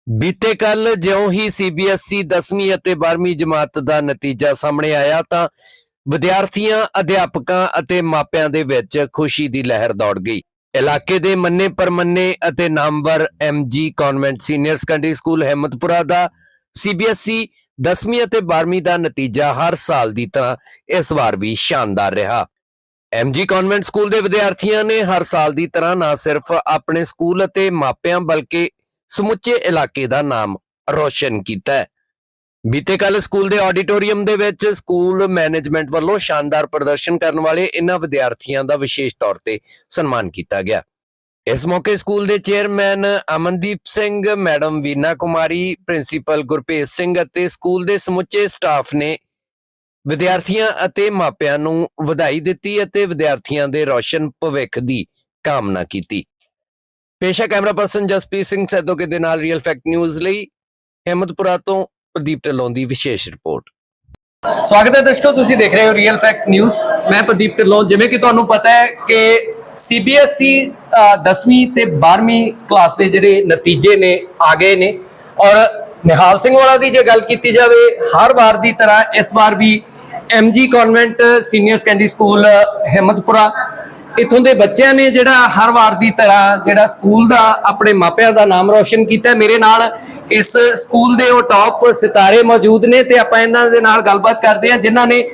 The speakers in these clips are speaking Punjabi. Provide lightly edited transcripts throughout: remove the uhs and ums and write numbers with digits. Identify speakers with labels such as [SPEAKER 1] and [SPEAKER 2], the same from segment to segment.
[SPEAKER 1] ਬੀਤੇ ਕੱਲ ਜਿਉਂ ਹੀ ਸੀਬੀਐਸਈ 10ਵੀਂ ਅਤੇ 12ਵੀਂ ਜਮਾਤ ਦਾ ਨਤੀਜਾ ਸਾਹਮਣੇ ਆਇਆ ਤਾਂ ਵਿਦਿਆਰਥੀਆਂ, ਅਧਿਆਪਕਾਂ ਅਤੇ ਮਾਪਿਆਂ ਦੇ ਵਿੱਚ ਖੁਸ਼ੀ ਦੀ ਲਹਿਰ ਦੌੜ ਗਈ। ਇਲਾਕੇ ਦੇ ਮੰਨੇ ਪਰਮੰਨੇ ਅਤੇ ਨਾਮਵਰ MG convent senior secondary school Himmatpura ਦਾ ਸੀਬੀਐਸਈ 10ਵੀਂ ਅਤੇ 12ਵੀਂ ਦਾ ਨਤੀਜਾ ਹਰ ਸਾਲ ਦੀ ਤਰ੍ਹਾਂ ਇਸ ਵਾਰ ਵੀ ਸ਼ਾਨਦਾਰ ਰਿਹਾ। ਐਮਜੀ ਕਨਵੈਂਟ ਸਕੂਲ ਦੇ ਵਿਦਿਆਰਥੀਆਂ ਨੇ ਹਰ ਸਾਲ ਦੀ ਤਰ੍ਹਾਂ ਨਾ ਸਿਰਫ ਆਪਣੇ ਸਕੂਲ ਅਤੇ ਮਾਪਿਆਂ ਬਲਕਿ ਸਮੁੱਚੇ ਇਲਾਕੇ ਦਾ ਨਾਮ ਰੋਸ਼ਨ ਕੀਤਾ ਹੈ। ਬੀਤੇ ਕੱਲ ਸਕੂਲ ਦੇ ਆਡੀਟੋਰੀਅਮ ਦੇ ਵਿੱਚ ਸਕੂਲ ਮੈਨੇਜਮੈਂਟ ਵੱਲੋਂ ਸ਼ਾਨਦਾਰ ਪ੍ਰਦਰਸ਼ਨ ਕਰਨ ਵਾਲੇ ਇਹਨਾਂ ਵਿਦਿਆਰਥੀਆਂ ਦਾ ਵਿਸ਼ੇਸ਼ ਤੌਰ ਤੇ ਸਨਮਾਨ ਕੀਤਾ ਗਿਆ। ਇਸ ਮੌਕੇ ਸਕੂਲ ਦੇ chairman Amandeep Singh, madam Veena Kumari, principal Gurpreet Singh ਅਤੇ ਸਕੂਲ ਦੇ ਸਮੁੱਚੇ ਸਟਾਫ ਨੇ ਵਿਦਿਆਰਥੀਆਂ ਅਤੇ ਮਾਪਿਆਂ ਨੂੰ ਵਧਾਈ ਦਿੱਤੀ ਅਤੇ ਵਿਦਿਆਰਥੀਆਂ ਦੇ ਰੋਸ਼ਨ ਭਵਿੱਖ ਦੀ ਕਾਮਨਾ ਕੀਤੀ। ਪੇਸ਼ਾ ਕੈਮਰਾ ਪਰਸਨ ਜਸਪ੍ਰੀਤ ਸਿੰਘ ਸੈਦੋਕੇ ਦੇ ਨਾਲ ਰੀਅਲ ਫੈਕਟ ਨਿਊਜ਼ ਲਈ ਹਿੰਮਤਪੁਰਾ ਤੋਂ ਪ੍ਰਦੀਪ ਢਿੱਲੋਂ ਦੀ ਵਿਸ਼ੇਸ਼ ਰਿਪੋਰਟ। ਸਵਾਗਤ ਹੈ ਦਰਸ਼ਕੋ, ਤੁਸੀਂ ਦੇਖ ਰਹੇ ਹੋ ਰੀਅਲ ਫੈਕਟ ਨਿਊਜ਼। ਮੈਂ ਪ੍ਰਦੀਪ ਢਿੱਲੋਂ। ਜਿਵੇਂ ਕਿ ਤੁਹਾਨੂੰ ਪਤਾ ਹੈ ਕਿ ਸੀਬੀਐਸਈ 10ਵੀਂ ਤੇ 12ਵੀਂ ਕਲਾਸ ਦੇ ਜਿਹੜੇ ਨਤੀਜੇ ਨੇ ਆ ਗਏ ਨੇ ਔਰ ਨਿਹਾਲ ਸਿੰਘ ਵਾਲਾ ਦੀ ਜੇ ਗੱਲ ਕੀਤੀ ਜਾਵੇ, ਹਰ ਵਾਰ ਦੀ ਤਰ੍ਹਾਂ ਇਸ ਵਾਰ ਵੀ MG convent senior secondary school Himmatpura ਇਥੋਂ ਦੇ ਬੱਚਿਆਂ ਨੇ ਜਿਹੜਾ ਹਰ ਵਾਰ ਦੀ ਤਰ੍ਹਾਂ ਜਿਹੜਾ ਸਕੂਲ ਦਾ ਆਪਣੇ ਮਾਪਿਆਂ ਦਾ ਨਾਮ ਰੋਸ਼ਨ ਕੀਤਾ। ਮੇਰੇ ਨਾਲ ਇਸ ਸਕੂਲ ਦੇ ਉਹ ਟੌਪ ਸਿਤਾਰੇ ਮੌਜੂਦ ਨੇ ਤੇ ਆਪਾਂ ਇਹਨਾਂ ਦੇ ਨਾਲ ਗੱਲਬਾਤ ਕਰਦੇ ਹਾਂ ਜਿਨ੍ਹਾਂ ਨੇ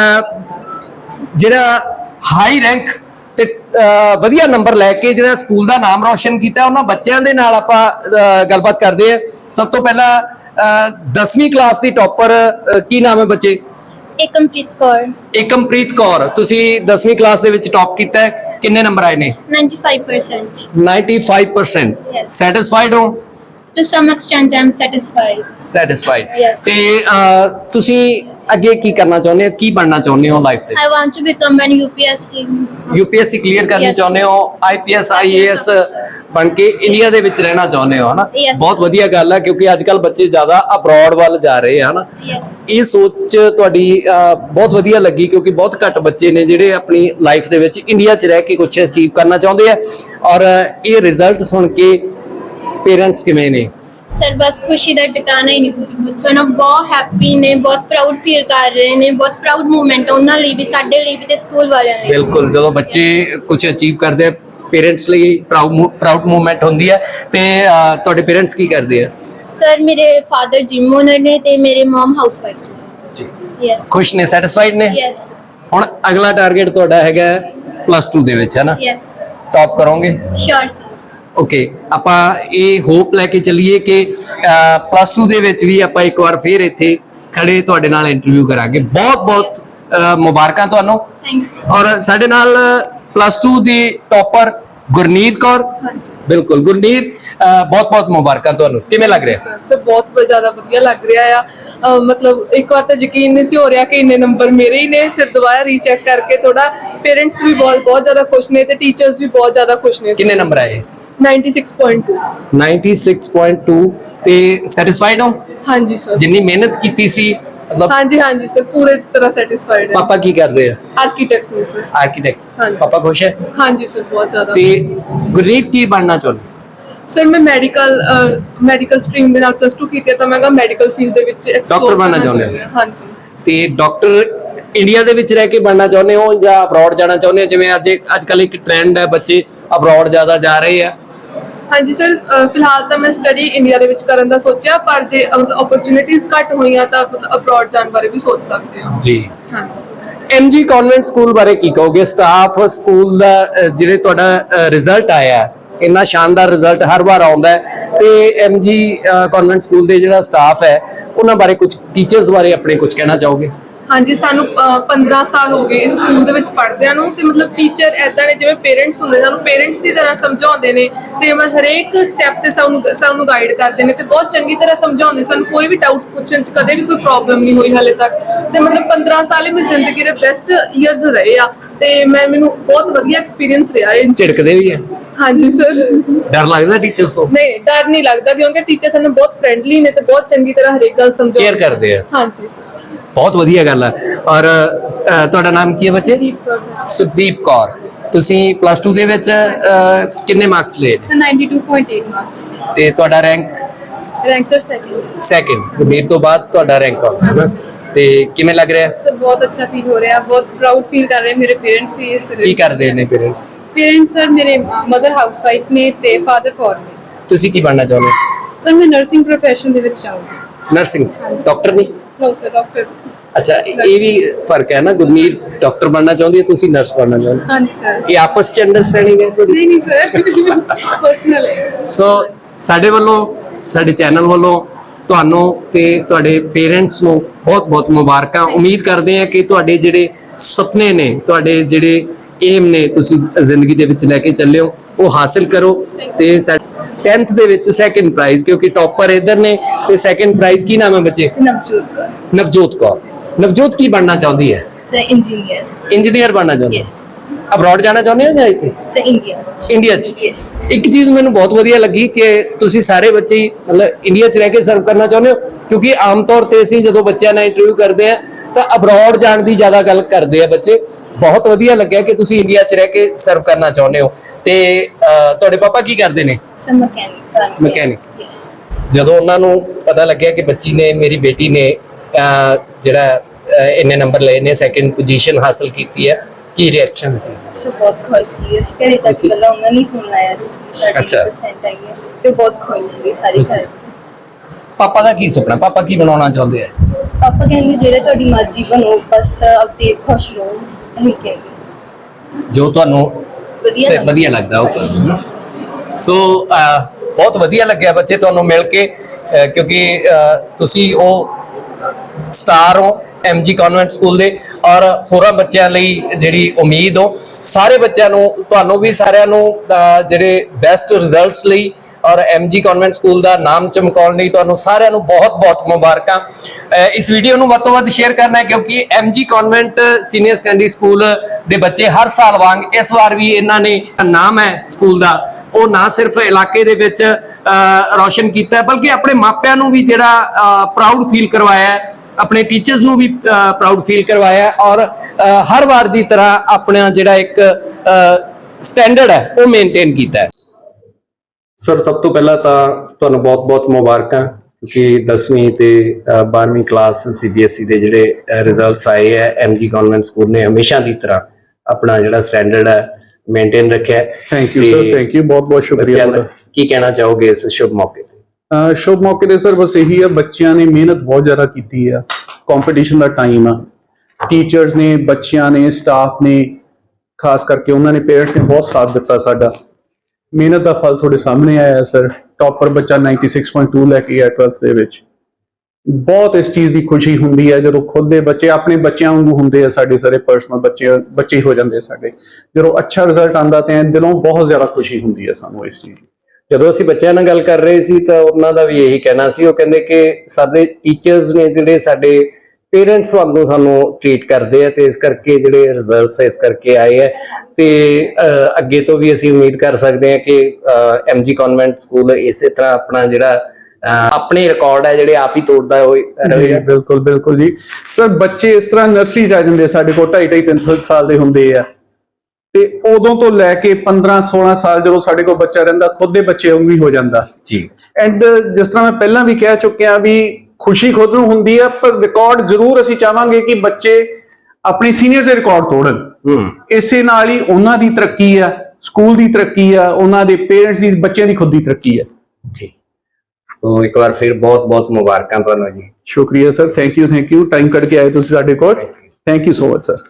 [SPEAKER 1] ਜਿਹੜਾ ਹਾਈ ਰੈਂਕ ਤੇ ਵਧੀਆ ਨੰਬਰ ਲੈ ਕੇ ਜਿਹੜਾ ਸਕੂਲ ਦਾ ਨਾਮ ਰੋਸ਼ਨ ਕੀਤਾ। ਉਹਨਾਂ ਬੱਚਿਆਂ ਦੇ ਨਾਲ ਆਪਾਂ ਗੱਲਬਾਤ ਕਰਦੇ ਹਾਂ। ਸਭ ਤੋਂ ਪਹਿਲਾਂ 10ਵੀਂ ਕਲਾਸ ਦੀ ਟੌਪਰ, ਕੀ ਨਾਮ ਹੈ ਬੱਚੇ?
[SPEAKER 2] ਏਕਮਪ੍ਰੀਤ ਕੌਰ।
[SPEAKER 1] ਏਕਮਪ੍ਰੀਤ ਕੌਰ, ਤੁਸੀਂ 10ਵੀਂ ਕਲਾਸ ਦੇ ਵਿੱਚ ਟੌਪ ਕੀਤਾ ਹੈ, ਕਿੰਨੇ ਨੰਬਰ ਆਏ ਨੇ?
[SPEAKER 2] 95%.
[SPEAKER 1] 95%।
[SPEAKER 2] Yes.
[SPEAKER 1] ਸੈਟੀਸਫਾਈਡ ਹੋ?
[SPEAKER 2] To some extent I'm satisfied.
[SPEAKER 1] Satisfied.
[SPEAKER 2] Yes.
[SPEAKER 1] ਤੇ ਤੁਸੀਂ ਅੱਗੇ ਕੀ ਕਰਨਾ ਚਾਹੁੰਦੇ ਹੋ, ਕੀ ਬਣਨਾ ਚਾਹੁੰਦੇ ਹੋ ਲਾਈਫ ਦੇ?
[SPEAKER 2] I want to become an UPSC.
[SPEAKER 1] UPSC clear ਕਰਨੀ
[SPEAKER 2] Yes.
[SPEAKER 1] ਚਾਹੁੰਦੇ ਹੋ, ਆਈਪੀਐਸ ਆਈਏਐਸ ਬਣ ਕੇ ਇੰਡੀਆ ਦੇ ਵਿੱਚ ਰਹਿਣਾ ਚਾਹੁੰਦੇ ਹੋ, ਹਨਾ?
[SPEAKER 2] Yes.
[SPEAKER 1] ਬਹੁਤ ਵਧੀਆ ਗੱਲ ਹੈ ਕਿਉਂਕਿ ਅੱਜ ਕੱਲ ਬੱਚੇ ਜ਼ਿਆਦਾ ਅਬਰੋਡ ਵੱਲ ਜਾ ਰਹੇ ਹਨ।
[SPEAKER 2] Yes.
[SPEAKER 1] ਇਹ ਸੋਚ ਤੁਹਾਡੀ ਬਹੁਤ ਵਧੀਆ ਲੱਗੀ ਕਿਉਂਕਿ ਬਹੁਤ ਘੱਟ ਬੱਚੇ ਨੇ ਜਿਹੜੇ ਆਪਣੀ ਲਾਈਫ ਦੇ ਵਿੱਚ ਇੰਡੀਆ 'ਚ ਰਹਿ ਕੇ ਕੁਝ ਅਚੀਵ ਕਰਨਾ ਚਾਹੁੰਦੇ ਆ। ਔਰ ਇਹ ਰਿਜ਼ਲਟ ਸੁਣ ਕੇ ਪੇਰੈਂਟਸ ਕਿਵੇਂ ਨੇ?
[SPEAKER 2] ਸਰ ਬਸ ਖੁਸ਼ੀ ਦਾ ਟਿਕਾਣਾ ਹੀ ਨਹੀਂ, ਤੁਸੀਂ ਪੁੱਛੋ ਨਾ। ਬਹੁਤ ਹੈਪੀ ਨੇ, ਬਹੁਤ ਪ੍ਰਾਊਡ ਫੀਲ ਕਰ ਰਹੇ ਨੇ। ਬਹੁਤ ਪ੍ਰਾਊਡ ਮੂਮੈਂਟ ਉਹਨਾਂ ਲਈ ਵੀ, ਸਾਡੇ ਲਈ ਵੀ ਤੇ ਸਕੂਲ ਵਾਲਿਆਂ ਲਈ।
[SPEAKER 1] ਬਿਲਕੁਲ, ਜਦੋਂ ਬੱਚੇ ਕੁਝ ਅਚੀਵ ਕਰਦੇ ਆ ਪੇਰੈਂਟਸ ਲਈ ਪ੍ਰਾਊਡ ਮੂਮੈਂਟ ਹੁੰਦੀ ਹੈ। ਤੇ ਤੁਹਾਡੇ ਪੇਰੈਂਟਸ ਕੀ ਕਰਦੇ ਆ?
[SPEAKER 2] ਸਰ ਮੇਰੇ ਫਾਦਰ ਜਿਮ ਓਨਰ ਨੇ ਤੇ ਮੇਰੇ ਮਮ ਹਾਊਸਵਾਈਫ
[SPEAKER 1] ਜੀ।
[SPEAKER 2] ਯੈਸ।
[SPEAKER 1] ਖੁਸ਼ ਨੇ, ਸੈਟੀਸਫਾਈਡ ਨੇ?
[SPEAKER 2] ਯੈਸ।
[SPEAKER 1] ਹੁਣ ਅਗਲਾ ਟਾਰਗੇਟ ਤੁਹਾਡਾ ਹੈਗਾ +2 ਦੇ ਵਿੱਚ, ਹੈ ਨਾ?
[SPEAKER 2] ਯੈਸ।
[SPEAKER 1] ਟੌਪ ਕਰੋਗੇ?
[SPEAKER 2] ਸ਼ੋਰ ਸਰ।
[SPEAKER 1] ਓਕੇ, ਆਪਾਂ ਇਹ ਹੋਪ ਲੈ ਕੇ ਚੱਲੀਏ ਕਿ +2 ਦੇ ਵਿੱਚ ਵੀ ਆਪਾਂ ਇੱਕ ਵਾਰ ਫੇਰ ਇੱਥੇ ਖੜੇ ਤੁਹਾਡੇ ਨਾਲ ਇੰਟਰਵਿਊ ਕਰਾਂਗੇ। ਬਹੁਤ ਬਹੁਤ ਮੁਬਾਰਕਾਂ ਤੁਹਾਨੂੰ।
[SPEAKER 2] Thank you.
[SPEAKER 1] ਔਰ ਸਾਡੇ ਨਾਲ +2 ਦੀ ਟੌਪਰ ਗੁਰਨੀਤ ਕੌਰ।
[SPEAKER 3] ਹਾਂਜੀ
[SPEAKER 1] ਬਿਲਕੁਲ ਗੁਰਨੀਤ, ਬਹੁਤ ਬਹੁਤ ਮੁਬਾਰਕਾਂ ਤੁਹਾਨੂੰ। ਕਿਵੇਂ ਲੱਗ ਰਿਹਾ?
[SPEAKER 3] ਸਰ ਬਹੁਤ ਜ਼ਿਆਦਾ ਵਧੀਆ ਲੱਗ ਰਿਹਾ ਆ। ਮਤਲਬ ਇੱਕ ਵਾਰ ਤਾਂ ਯਕੀਨ ਨਹੀਂ ਸੀ ਹੋ ਰਿਹਾ ਕਿ ਇੰਨੇ ਨੰਬਰ ਮੇਰੇ ਹੀ ਨੇ। ਫਿਰ ਦੁਬਾਰਾ ਰੀਚੈਕ ਕਰਕੇ ਥੋੜਾ ਪੇਰੈਂਟਸ ਵੀ ਬਹੁਤ ਜ਼ਿਆਦਾ ਖੁਸ਼ ਨੇ ਤੇ ਟੀਚਰਸ ਵੀ ਬਹੁਤ ਜ਼ਿਆਦਾ ਖੁਸ਼ ਨੇ।
[SPEAKER 1] ਕਿੰਨੇ ਨੰਬਰ ਆਏ?
[SPEAKER 3] 96.2।
[SPEAKER 1] 96.2। ਤੇ ਸੈਟੀਸਫਾਈਡ ਹੋ?
[SPEAKER 3] ਹਾਂਜੀ ਸਰ।
[SPEAKER 1] ਜਿੰਨੀ ਮਿਹਨਤ ਕੀਤੀ ਸੀ ਮਤਲਬ?
[SPEAKER 3] ਹਾਂਜੀ ਸਰ, ਪੂਰੇ ਤਰ੍ਹਾਂ ਸੈਟੀਸਫਾਈਡ ਹੈ।
[SPEAKER 1] ਪਾਪਾ ਕੀ ਕਰਦੇ ਆ?
[SPEAKER 3] ਆਰਕੀਟੈਕਟ ਨੇ ਸਰ।
[SPEAKER 1] ਆਰਕੀਟੈਕਟ।
[SPEAKER 3] ਹਾਂਜੀ।
[SPEAKER 1] ਪਾਪਾ ਖੁਸ਼ ਹੈ?
[SPEAKER 3] ਹਾਂਜੀ ਸਰ, ਬਹੁਤ ਜ਼ਿਆਦਾ।
[SPEAKER 1] ਤੇ ਗੁਰਨੀਤ ਕੀ ਬਣਨਾ ਚਾਹੁੰਦੇ?
[SPEAKER 3] ਸਰ ਮੈਂ ਮੈਡੀਕਲ ਸਟਰੀਮ ਦੇ ਨਾਲ +2 ਕੀਤੀ ਹੈ ਤਾਂ ਮੈਂ ਮੈਡੀਕਲ ਫੀਲਡ ਦੇ ਵਿੱਚ ਐਕਸਪਲੋਰ
[SPEAKER 1] ਬਣਨਾ
[SPEAKER 3] ਕਰਨਾ
[SPEAKER 1] ਚਾਹੁੰਦੇ
[SPEAKER 3] ਚਾਹੁੰਦੀ ਹਾਂ। ਹਾਂਜੀ।
[SPEAKER 1] ਤੇ ਡਾਕਟਰ ਇੰਡੀਆ ਦੇ ਵਿੱਚ ਰਹਿ ਕੇ ਬਣਨਾ ਚਾਹੁੰਦੇ ਹੋ ਜਾਂ ਅਬਰੋਡ ਜਾਣਾ ਚਾਹੁੰਦੇ ਹੋ? ਜਿਵੇਂ ਅੱਜ ਕੱਲ ਇੱਕ ਟ੍ਰੈਂਡ ਹੈ, ਬੱਚੇ ਅਬਰੋਡ ਜ਼ਿਆਦਾ ਜਾ ਰਹੇ ਆ।
[SPEAKER 3] ਹਾਂਜੀ ਸਰ, ਫਿਲਹਾਲ ਤਾਂ ਮੈਂ ਸਟੱਡੀ ਇੰਡੀਆ ਦੇ ਵਿੱਚ ਕਰਨ ਦਾ ਸੋਚਿਆ, ਪਰ ਜੇ ਓਪਰਚੁਨਿਟੀਜ਼ ਘੱਟ ਹੋਈਆਂ ਤਾਂ ਅਬਰੋਡ ਜਾਣ ਬਾਰੇ ਵੀ ਸੋਚ ਸਕਦੇ ਹਾਂ ਜੀ। ਹਾਂਜੀ।
[SPEAKER 1] ਐਮਜੀ ਕਨਵੈਂਟ ਸਕੂਲ ਬਾਰੇ ਕੀ ਕਹੋਗੇ? ਸਟਾਫ, ਸਕੂਲ ਦਾ ਜਿਹੜੇ ਤੁਹਾਡਾ ਰਿਜ਼ਲਟ ਆਇਆ, ਇੰਨਾ ਸ਼ਾਨਦਾਰ ਰਿਜ਼ਲਟ ਹਰ ਵਾਰ ਆਉਂਦਾ ਹੈ ਤੇ ਐਮਜੀ ਕਨਵੈਂਟ ਸਕੂਲ ਦੇ ਜਿਹੜਾ ਸਟਾਫ ਹੈ ਉਹਨਾਂ ਬਾਰੇ ਕੁਝ, ਟੀਚਰਸ ਬਾਰੇ ਆਪਣੇ ਕੁਝ ਕਹਿਣਾ ਚਾਹੋਗੇ?
[SPEAKER 3] ਹਾਂਜੀ, ਸਾਨੂੰ 15 ਸਾਲ ਹੋ ਗਏ ਇਸ ਸਕੂਲ ਦੇ ਵਿੱਚ ਪੜ੍ਹਦਿਆਂ ਨੂੰ ਤੇ ਮਤਲਬ ਟੀਚਰ ਐਦਾਂ ਨੇ ਜਿਵੇਂ ਪੇਰੈਂਟਸ ਹੁੰਦੇ, ਸਾਨੂੰ ਪੇਰੈਂਟਸ ਦੀ ਤਰ੍ਹਾਂ ਸਮਝਾਉਂਦੇ ਨੇ ਤੇ ਹਰੇਕ ਸਟੈਪ ਤੇ ਸਾਨੂੰ ਗਾਈਡ ਕਰਦੇ ਨੇ ਤੇ ਬਹੁਤ ਚੰਗੀ ਤਰ੍ਹਾਂ ਸਮਝਾਉਂਦੇ। ਸਾਨੂੰ ਕੋਈ ਵੀ ਡਾਊਟ ਪੁੱਛਣ 'ਚ ਕਦੇ ਵੀ ਕੋਈ ਪ੍ਰੋਬਲਮ ਨਹੀਂ ਹੋਈ ਹਾਲੇ ਤੱਕ। ਤੇ ਮਤਲਬ 15 ਸਾਲ ਇਹ ਮੇਰੀ ਜ਼ਿੰਦਗੀ ਦੇ ਬੈਸਟ ਈਅਰਸ ਰਹੇ ਆ ਤੇ ਮੈਨੂੰ ਬਹੁਤ ਵਧੀਆ ਐਕਸਪੀਰੀਅੰਸ ਰਿਹਾ ਇਹ।
[SPEAKER 1] ਝਿੜਕਦੇ ਵੀ ਹੈ?
[SPEAKER 3] ਹਾਂਜੀ ਸਰ।
[SPEAKER 1] ਡਰ ਲੱਗਦਾ ਟੀਚਰਸ ਤੋਂ?
[SPEAKER 3] ਨਹੀਂ, ਡਰ ਨਹੀਂ ਲੱਗਦਾ ਕਿਉਂਕਿ ਟੀਚਰ ਸਾਨੂੰ ਬਹੁਤ ਫਰੈਂਡਲੀ ਨੇ ਤੇ ਬਹੁਤ ਚੰਗੀ ਤਰ੍ਹਾਂ ਹਰੇਕ ਗੱਲ ਸਮਝਾਉਂਦੇ,
[SPEAKER 1] ਕੇਅਰ ਕਰਦੇ ਆ।
[SPEAKER 3] ਹਾਂਜੀ ਸਰ।
[SPEAKER 1] ਬਹੁਤ ਵਧੀਆ ਗੱਲ ਹੈ। ਔਰ ਤੁਹਾਡਾ ਨਾਮ ਕੀ ਹੈ ਬੱਚੇ?
[SPEAKER 2] ਸੁਦੀਪ ਕੌਰ ਸਰ।
[SPEAKER 1] ਸੁਦੀਪ ਕੌਰ, ਤੁਸੀਂ +2 ਦੇ ਵਿੱਚ ਕਿੰਨੇ ਮਾਰਕਸ ਲਏ?
[SPEAKER 2] Sir 92.8 marks.
[SPEAKER 1] ਤੇ ਤੁਹਾਡਾ rank?
[SPEAKER 4] Rank sir second.
[SPEAKER 1] Second, Gurmeet ਤੋਂ ਬਾਅਦ ਤੁਹਾਡਾ ਰੈਂਕ ਆਉਂਦਾ ਹੈ ਨਾ, ਤੇ ਕਿਵੇਂ ਲੱਗ ਰਿਹਾ?
[SPEAKER 4] ਸਰ ਬਹੁਤ ਅੱਛਾ ਫੀਲ ਹੋ ਰਿਹਾ, ਬਹੁਤ ਪ੍ਰਾਊਡ ਫੀਲ ਕਰ ਰਹੇ ਮੇਰੇ ਪੇਰੈਂਟਸ ਵੀ ਇਸ
[SPEAKER 1] ਕੀ ਕਰਦੇ ਨੇ ਪੇਰੈਂਟਸ?
[SPEAKER 4] ਪੇਰੈਂਟਸ ਸਰ ਮੇਰੇ ਮਦਰ ਹਾਊਸਵਾਈਫ ਨੇ ਤੇ ਫਾਦਰ ਫੋਰਨ ਨੇ।
[SPEAKER 1] ਤੁਸੀਂ ਕੀ ਬਣਨਾ ਚਾਹੁੰਦੇ ਹੋ?
[SPEAKER 4] ਸਰ ਮੈਂ ਨਰਸਿੰਗ ਪ੍ਰੋਫੈਸ਼ਨ ਦੇ ਵਿੱਚ ਚਾਹੂੰਗੀ।
[SPEAKER 1] ਨਰਸਿੰਗ,
[SPEAKER 4] ਹਾਂਜੀ।
[SPEAKER 1] ਡਾਕਟਰ ਨਹੀਂ?
[SPEAKER 4] No sir doctor.
[SPEAKER 1] ਅੱਛਾ, ਇਹ ਵੀ ਫਰਕ ਹੈ ਨਾ, ਗੁਰਮੀਤ ਡਾਕਟਰ ਬਣਨਾ ਚਾਹੁੰਦੀ ਹੈ, ਤੁਸੀਂ ਨਰਸ ਬਣਨਾ ਚਾਹੁੰਦੇ ਹੋ।
[SPEAKER 4] ਹਾਂਜੀ ਸਰ।
[SPEAKER 1] ਇਹ ਆਪਸ ਚ ਅੰਡਰਸਟੈਂਡਿੰਗ ਹੈ ਤੁਹਾਡੀ?
[SPEAKER 4] ਨਹੀਂ ਨਹੀਂ ਸਰ ਪਰਸਨਲ ਹੈ।
[SPEAKER 1] ਸੋ ਸਾਡੇ ਵੱਲੋਂ, ਸਾਡੇ ਚੈਨਲ ਵੱਲੋਂ ਤੁਹਾਨੂੰ ਤੇ ਤੁਹਾਡੇ ਪੇਰੈਂਟਸ ਨੂੰ ਬਹੁਤ-ਬਹੁਤ ਮੁਬਾਰਕਾਂ। ਉਮੀਦ ਕਰਦੇ ਹਾਂ ਕਿ ਤੁਹਾਡੇ ਜਿਹੜੇ ਸੁਪਨੇ ਨੇ, ਤੁਹਾਡੇ ਜਿਹੜੇ ਏਮ ਨੇ, ਤੁਸੀਂ ਜ਼ਿੰਦਗੀ ਦੇ ਵਿੱਚ ਲੈ ਕੇ ਚੱਲੇ ਹੋ, ਉਹ ਹਾਸਿਲ ਕਰੋ। ਤੇ 10th ਦੇ ਵਿੱਚ ਸੈਕਿੰਡ ਪ੍ਰਾਈਜ਼, ਕਿਉਂਕਿ ਟੌਪਰ ਇਧਰ ਨੇ, ਤੇ ਸੈਕਿੰਡ ਪ੍ਰਾਈਜ਼ ਕੀ ਨਾਮ ਹੈ ਬੱਚੇ?
[SPEAKER 5] ਨਵਜੋਤ ਕੌਰ।
[SPEAKER 1] ਨਵਜੋਤ ਕੌਰ। ਨਵਜੋਤ ਕੀ ਬਣਨਾ ਚਾਹੁੰਦੀ ਹੈ?
[SPEAKER 5] Sir engineer.
[SPEAKER 1] ਇੰਜੀਨੀਅਰ ਬਣਨਾ ਚਾਹੁੰਦੀ ਹੈ?
[SPEAKER 5] ਯੈਸ।
[SPEAKER 1] ਅਬਰੋਡ ਜਾਣਾ ਚਾਹੁੰਦੇ ਹੋ ਜਾਂ ਇੱਥੇ?
[SPEAKER 5] Sir India.
[SPEAKER 1] ਇੰਡੀਆ 'ਚ?
[SPEAKER 5] ਯੈਸ।
[SPEAKER 1] ਇੱਕ ਚੀਜ਼ ਮੈਨੂੰ ਬਹੁਤ ਵਧੀਆ ਲੱਗੀ ਕਿ ਤੁਸੀਂ ਸਾਰੇ ਬੱਚੇ ਹੀ ਮਤਲਬ ਇੰਡੀਆ 'ਚ ਰਹਿ ਕੇ ਸਰਵ ਕਰਨਾ ਚਾਹੁੰਦੇ ਹੋ, ਕਿਉਂਕਿ ਆਮ ਤੌਰ ਤੇ ਅਸੀਂ ਜਦੋਂ ਬੱਚਿਆਂ ਨਾਲ ਇੰਟਰਵਿਊ ਕਰਦੇ ਆ ਤਾਂ ਅਬਰੋਡ ਜਾਣ ਦੀ ਜ਼ਿਆਦਾ ਗੱਲ ਕਰਦੇ ਆ ਬੱਚੇ। ਬਹੁਤ ਵਧੀਆ ਲੱਗਿਆ ਕਿ ਤੁਸੀਂ ਇੰਡੀਆ 'ਚ ਰਹਿ ਕੇ ਸਰਵ ਕਰਨਾ ਚਾਹੁੰਦੇ ਹੋ। ਤੇ ਤੁਹਾਡੇ ਪਾਪਾ ਕੀ ਕਰਦੇ ਨੇ?
[SPEAKER 5] Sir mechanic.
[SPEAKER 1] ਮਕੈਨਿਕ।
[SPEAKER 5] ਯੈਸ।
[SPEAKER 1] ਜਦੋਂ ਉਹਨਾਂ ਨੂੰ ਪਤਾ ਲੱਗਿਆ ਕਿ ਬੱਚੀ ਨੇ, ਮੇਰੀ ਬੇਟੀ ਨੇ ਜਿਹੜਾ ਇੰਨੇ ਨੰਬਰ ਲਏ ਨੇ, ਸੈਕਿੰਡ ਪੋਜੀਸ਼ਨ ਹਾਸਲ ਕੀਤੀ ਹੈ, ਕੀ ਰਿਐਕਸ਼ਨ ਸੀ?
[SPEAKER 5] ਸੋ ਬਹੁਤ ਖੁਸ਼ ਸੀ ਅਸੀਂ। ਘਰੇ ਜਾ ਕੇ ਪਹਿਲਾਂ ਉਹਨਾਂ ਨੇ ਫੋਨ ਲਾਇਆ ਸੀ ਸਾਡੀ
[SPEAKER 1] ਅੱਛਾ।
[SPEAKER 5] ਪਰਸੈਂਟ ਆਈ ਹੈ ਤੇ ਬਹੁਤ ਖੁਸ਼ ਸੀ ਸਾਰੇ ਘਰ।
[SPEAKER 1] ਪਾਪਾ ਦਾ ਕੀ ਸੁਪਨਾ? ਪਾਪਾ ਕੀ ਬਣਾਉਣਾ ਚਾਹੁੰਦੇ ਆ?
[SPEAKER 5] ਪਾਪਾ ਕਹਿੰਦੇ ਜਿਹੜੇ ਤੁਹਾਡੀ ਮਰਜ਼ੀ ਬਣੋ, ਬਸ ਆਪਦੇ ਖੁਸ਼ ਰਹੋ। ਅਸੀਂ ਕਹਿੰਦੇ
[SPEAKER 1] ਜੋ ਤੁਹਾਨੂੰ ਵਧੀਆ ਲੱਗਦਾ ਉਹ
[SPEAKER 5] ਹਾਂਜੀ।
[SPEAKER 1] ਕਰੋ। ਸੋ ਬਹੁਤ ਵਧੀਆ ਲੱਗਿਆ ਬੱਚੇ ਤੁਹਾਨੂੰ ਮਿਲ ਕੇ, ਕਿਉਂਕਿ ਤੁਸੀਂ ਉਹ ਸਟਾਰ ਹੋ MG ਕਨਵੈਂਟ ਸਕੂਲ ਦੇ, ਔਰ ਹੋਰਾਂ ਬੱਚਿਆਂ ਲਈ ਜਿਹੜੀ ਉਮੀਦ ਹੋ। ਸਾਰੇ ਬੱਚਿਆਂ ਨੂੰ, ਤੁਹਾਨੂੰ ਵੀ ਸਾਰਿਆਂ ਨੂੰ ਜਿਹੜੇ ਬੈਸਟ ਰਿਜ਼ਲਟਸ ਲਈ ਔਰ MG ਕਨਵੈਂਟ ਸਕੂਲ ਦਾ ਨਾਮ ਚਮਕਾਉਣ ਲਈ ਤੁਹਾਨੂੰ ਸਾਰਿਆਂ ਨੂੰ ਬਹੁਤ-ਬਹੁਤ ਮੁਬਾਰਕਾਂ। ਇਸ ਵੀਡੀਓ ਨੂੰ ਵੱਧ ਤੋਂ ਵੱਧ ਸ਼ੇਅਰ ਕਰਨਾ ਹੈ, ਕਿਉਂਕਿ MG convent senior secondary school ਦੇ ਬੱਚੇ ਹਰ ਸਾਲ ਵਾਂਗ ਇਸ ਵਾਰ ਵੀ ਇਹਨਾਂ ਨੇ ਨਾਮ ਹੈ ਸਕੂਲ ਦਾ, ਉਹ ਨਾ ਸਿਰਫ ਇਲਾਕੇ ਦੇ ਵਿੱਚ ਰੌਸ਼ਨ ਕੀਤਾ ਹੈ, ਬਲਕਿ ਆਪਣੇ ਮਾਪਿਆਂ ਨੂੰ ਵੀ ਜਿਹੜਾ ਪ੍ਰਾਊਡ ਫੀਲ ਕਰਵਾਇਆ ਹੈ, ਆਪਣੇ ਟੀਚਰਸ ਨੂੰ ਵੀ ਪ੍ਰਾਊਡ ਫੀਲ ਕਰਵਾਇਆ ਹੈ, ਔਰ ਹਰ ਵਾਰ ਦੀ ਤਰ੍ਹਾਂ ਆਪਣਾ ਜਿਹੜਾ ਇੱਕ ਸਟੈਂਡਰਡ ਹੈ ਉਹ ਮੇਨਟੇਨ ਕੀਤਾ ਹੈ। ਸਰ, ਸਭ ਤੋਂ ਪਹਿਲਾਂ ਤਾਂ ਤੁਹਾਨੂੰ ਬਹੁਤ-ਬਹੁਤ ਮੁਬਾਰਕਾਂ, ਕਿਉਂਕਿ 10ਵੀਂ ਤੇ 12ਵੀਂ ਕਲਾਸ CBSE ਦੇ ਜਿਹੜੇ ਰਿਜ਼ਲਟਸ ਆਏ ਹੈ, MG ਕਨਵੈਂਟ ਸਕੂਲ ਨੇ ਹਮੇਸ਼ਾ ਦੀ ਤਰ੍ਹਾਂ ਆਪਣਾ ਜਿਹੜਾ ਸਟੈਂਡਰਡ ਹੈ ਮੇਨਟੇਨ ਰੱਖਿਆ ਹੈ।
[SPEAKER 6] Thank you sir, thank you, ਬਹੁਤ ਬਹੁਤ ਸ਼ੁਕਰੀਆ।
[SPEAKER 1] ਕੀ ਕਹਿਣਾ ਚਾਹੋਗੇ ਇਸ ਸ਼ੁਭ ਮੌਕੇ ਤੇ?
[SPEAKER 6] ਸ਼ੁਭ ਮੌਕੇ ਤੇ ਸਰ ਬਸ ਇਹੀ ਹੈ, ਬੱਚਿਆਂ ਨੇ ਮਿਹਨਤ ਬਹੁਤ ਜ਼ਿਆਦਾ ਕੀਤੀ ਆ। ਕੰਪੀਟੀਸ਼ਨ ਦਾ ਟਾਈਮ ਆ, ਟੀਚਰਸ ਨੇ, ਬੱਚਿਆਂ ਨੇ, ਸਟਾਫ ਨੇ, ਖਾਸ ਕਰਕੇ ਉਹਨਾਂ ਨੇ, ਪੇਰੈਂਟਸ ਨੇ ਬਹੁਤ ਸਾਥ ਦਿੱਤਾ ਸਾਡਾ। ਮਿਹਨਤ ਦਾ ਫਲ ਤੁਹਾਡੇ ਸਾਹਮਣੇ ਆਇਆ ਸਰ। ਟੌਪਰ ਬੱਚਾ 96.2 ਲੈ ਕੇ ਆਇਆ 12th ਦੇ ਵਿੱਚ। ਬਹੁਤ ਇਸ ਚੀਜ਼ ਦੀ ਖੁਸ਼ੀ ਹੁੰਦੀ ਹੈ ਜਦੋਂ ਖੁਦ ਦੇ ਬੱਚੇ ਆਪਣੇ ਬੱਚਿਆਂ ਵਾਂਗੂ ਹੁੰਦੇ ਆ। ਸਾਡੇ ਸਾਰੇ ਪਰਸਨਲ ਬੱਚੇ ਹੋ ਜਾਂਦੇ ਸਾਡੇ। ਜਦੋਂ ਅੱਛਾ ਰਿਜ਼ਲਟ ਆਉਂਦਾ ਤੇ ਦਿਲੋਂ ਬਹੁਤ ਜ਼ਿਆਦਾ ਖੁਸ਼ੀ ਹੁੰਦੀ ਹੈ ਸਾਨੂੰ ਇਸ ਚੀਜ਼ ਦੀ।
[SPEAKER 1] ਜਦੋਂ ਅਸੀਂ ਬੱਚਿਆਂ ਨਾਲ ਗੱਲ ਕਰ ਰਹੇ ਸੀ ਤਾਂ ਉਹਨਾਂ ਦਾ ਵੀ ਇਹੀ ਕਹਿਣਾ ਸੀ, ਉਹ ਕਹਿੰਦੇ ਕਿ ਸਾਡੇ ਟੀਚਰਸ ਨੇ ਜਿਹੜੇ ਸਾਡੇ ਪੇਰੈਂਟਸ ਵਾਂਗੂ ਸਾਨੂੰ ਟ੍ਰੀਟ ਕਰਦੇ ਆ, ਤੇ ਇਸ ਕਰਕੇ ਜਿਹੜੇ ਰਿਜ਼ਲਟਸ ਇਸ ਕਰਕੇ ਆਏ ਹੈ। ਤੇ ਅੱਗੇ ਤੋਂ ਵੀ ਅਸੀਂ ਉਮੀਦ ਕਰ ਸਕਦੇ ਹਾਂ ਕਿ MG ਕਨਵੈਂਟ ਸਕੂਲ ਇਸੇ ਤਰ੍ਹਾਂ ਆਪਣਾ ਜਿਹੜਾ ਆਪਣੇ ਰਿਕਾਰਡ ਹੈ ਜਿਹੜੇ ਆਪ ਹੀ ਤੋੜਦਾ ਹੋਏ ਰਹੇਗਾ।
[SPEAKER 6] ਬਿਲਕੁਲ ਬਿਲਕੁਲ ਜੀ ਸਰ। ਬੱਚੇ ਇਸ ਤਰ੍ਹਾਂ ਨਰਸਰੀ ਚ ਆ ਜਾਂਦੇ, ਸਾਡੇ ਕੋਲ 2.5-3 ਸਾਲ ਦੇ ਹੁੰਦੇ ਆ, ਤੇ ਉਦੋਂ ਤੋਂ ਲੈ ਕੇ 15-16 ਸਾਲ ਜਦੋਂ ਸਾਡੇ ਕੋਲ ਬੱਚਾ ਰਹਿੰਦਾ, ਖੁਦ ਦੇ ਬੱਚੇ ਵਾਂਗੂ ਹੀ ਹੋ ਜਾਂਦਾ
[SPEAKER 1] ਜੀ।
[SPEAKER 6] ਐਂਡ ਜਿਸ ਤਰ੍ਹਾਂ ਮੈਂ ਪਹਿਲਾਂ ਵੀ ਕਹਿ ਚੁੱਕਿਆ ਵੀ ਖੁਸ਼ੀ ਖੁਦ ਨੂੰ ਹੁੰਦੀ ਆ, ਪਰ ਰਿਕਾਰਡ ਜ਼ਰੂਰ ਅਸੀਂ ਚਾਹਾਂਗੇ ਕਿ ਬੱਚੇ ਆਪਣੇ ਸੀਨੀਅਰ ਦੇ ਰਿਕਾਰਡ ਤੋੜਨ। ਇਸੇ ਨਾਲ ਹੀ ਉਹਨਾਂ ਦੀ ਤਰੱਕੀ ਆ, ਸਕੂਲ ਦੀ ਤਰੱਕੀ ਆ, ਉਹਨਾਂ ਦੇ ਪੇਰੈਂਟਸ ਦੀ, ਬੱਚਿਆਂ ਦੀ ਖੁਦ ਦੀ ਤਰੱਕੀ ਆ
[SPEAKER 1] ਜੀ। ਸੋ ਇੱਕ ਵਾਰ ਫਿਰ ਬਹੁਤ-ਬਹੁਤ ਮੁਬਾਰਕਾਂ ਤੁਹਾਨੂੰ ਜੀ।
[SPEAKER 6] ਸ਼ੁਕਰੀਆ ਸਰ, ਥੈਂਕ ਯੂ, ਟਾਈਮ ਕੱਢ ਕੇ ਆਏ ਤੁਸੀਂ ਸਾਡੇ ਕੋਲ। Thank you so much sir.